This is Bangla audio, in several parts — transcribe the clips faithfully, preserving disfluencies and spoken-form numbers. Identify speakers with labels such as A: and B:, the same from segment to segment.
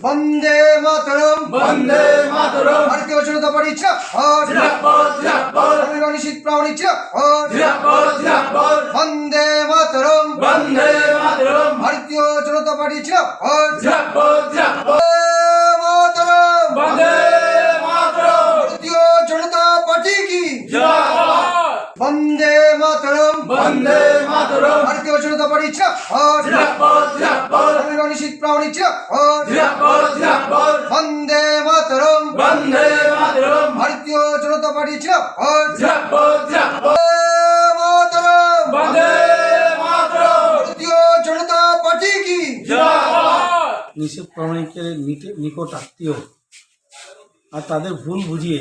A: বন্দে মাতরম,
B: বন্দে মাতরম,
A: ভারতীয় জনতা পার্টি জিন্দাবাদ,
B: জিন্দাবাদ জিন্দাবাদ,
A: সংগ্রামী শীত প্রামাণিক জিন্দাবাদ,
B: জিন্দাবাদ জিন্দাবাদ,
A: বন্দে মাতরম,
B: বন্দে মাতরম,
A: ভারতীয় জনতা পার্টি জিন্দাবাদ,
B: জিন্দাবাদ জিন্দাবাদ,
A: মাতরম,
B: বন্দে মাতরম,
A: ভারতীয় জনতা পার্টি কি
B: জিন্দাবাদ,
A: বন্দে মাতরম,
B: বন্দে মাতরম,
A: ভারতীয় জনতা পার্টি জিন্দাবাদ,
B: জিন্দাবাদ জিন্দাবাদ,
A: সংগ্রামী শীত প্রামাণিক জিন্দাবাদ,
B: জিন্দাবাদ জিন্দাবাদ,
A: বন্দে মাতরম,
B: বন্দে মাতরম,
A: ভারতীয় জনতা পার্টি জিন্দাবাদ,
B: জিন্দাবাদ জিন্দাবাদ,
A: মাতরম,
B: বন্দে মাতরম,
A: ভারতীয় জনতা পার্টি কি
B: জিন্দাবাদ।
C: নিষেধ প্রামাণিকের নিকট আত্মীয় আর তাদের ভুল বুঝিয়ে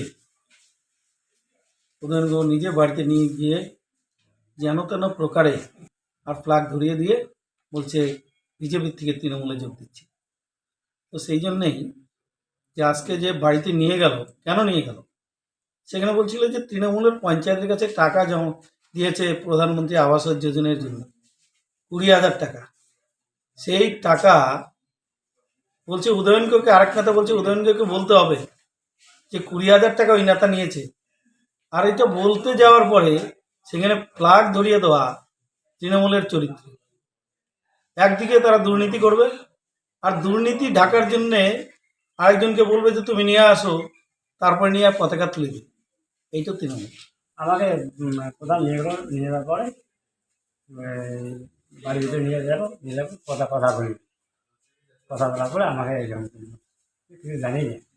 C: উদয়নগর নিজে বাড়িতে নিয়ে গিয়ে যেন তেন প্রকারে আর ফ্ল্যাগ ধরিয়ে দিয়ে বলছে বিজেপির থেকে তৃণমূলে যোগ দিচ্ছে। তো সেই জন্যেই যে আজকে যে বাড়িতে নিয়ে গেল, কেন নিয়ে গেল, সেখানে বলছিল যে তৃণমূলের পঞ্চায়েতের কাছে টাকা জমা দিয়েছে প্রধানমন্ত্রী আবাস যোজনার জন্য কুড়ি হাজার টাকা। সেই টাকা বলছে উদয়নকে, আরেক নেতা বলছে উদয়নকে বলতে হবে যে কুড়ি হাজার টাকা ওই নেতা নিয়েছে। আর এটা বলতে যাওয়ার পরে সেখানে ফ্ল্যাগ ধরিয়ে দেওয়া তৃণমূলের চরিত্র। একদিকে তারা দুর্নীতি করবে আর দুর্নীতি ঢাকার জন্যে আরেকজনকে বলবে যে তুমি নিয়ে আসো, তারপরে নিয়ে পতাকা তুলে দিবে। এইটা তৃণমূল।
D: আমাকে উম, প্রধান নিয়ে গেল, নিয়ে যাওয়ার পরে বাড়ির ভিতরে নিয়ে যাবো, নিয়ে যাবো কথা কথা বলি, কথা বলার পরে আমাকে এরকম করলো, কিছু জানি না।